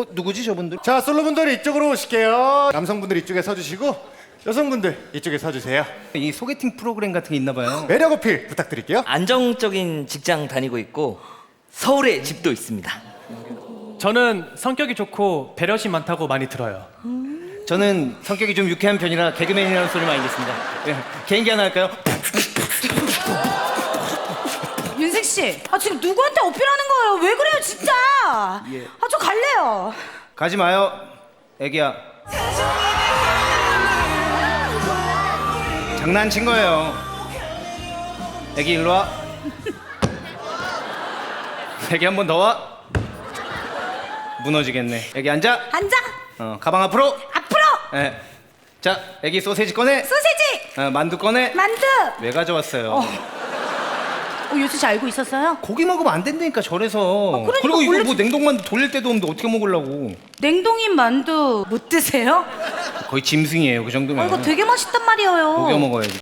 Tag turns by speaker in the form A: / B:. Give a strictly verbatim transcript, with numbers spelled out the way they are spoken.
A: 어 누구지 저분들?
B: 자, 솔로분들 이쪽으로 오실게요. 남성분들 이쪽에 서주시고 여성분들 이쪽에 서주세요.
A: 이 소개팅 프로그램 같은 게 있나 봐요.
B: 매력 어필 부탁드릴게요.
C: 안정적인 직장 다니고 있고 서울에 집도 있습니다.
D: 저는 성격이 좋고 배려심 많다고 많이 들어요.
A: 저는 성격이 좀 유쾌한 편이라 개그맨이라는 소리 많이 듣습니다. 예, 개인기 하나 할까요?
E: 윤생 씨, 아 지금 누구한테 어필하는 거예요? 왜 그래요, 진짜?
A: 예.
E: 아 저 갈래요.
A: 가지 마요, 애기야. 장난친 거예요. 애기 일로 와. 애기 한 번 더 와. 무너지겠네. 애기 앉아.
E: 앉아.
A: 어, 가방 앞으로.
E: 앞으로.
A: 예. 자, 애기 소세지 꺼내.
E: 소세지.
A: 어, 만두 꺼내.
E: 만두.
A: 왜 가져왔어요?
E: 어. 어, 요새 씨 알고 있었어요?
A: 고기 먹으면 안 된다니까 절에서.
E: 그러니까
A: 그리고 이거
E: 원래
A: 뭐 냉동만두 돌릴 때도 없는데 어떻게 먹으려고?
E: 냉동인 만두 못 드세요?
A: 거의 짐승이에요 그 정도면.
E: 아, 이거 되게 맛있단 말이에요.
A: 녹여 먹어야지.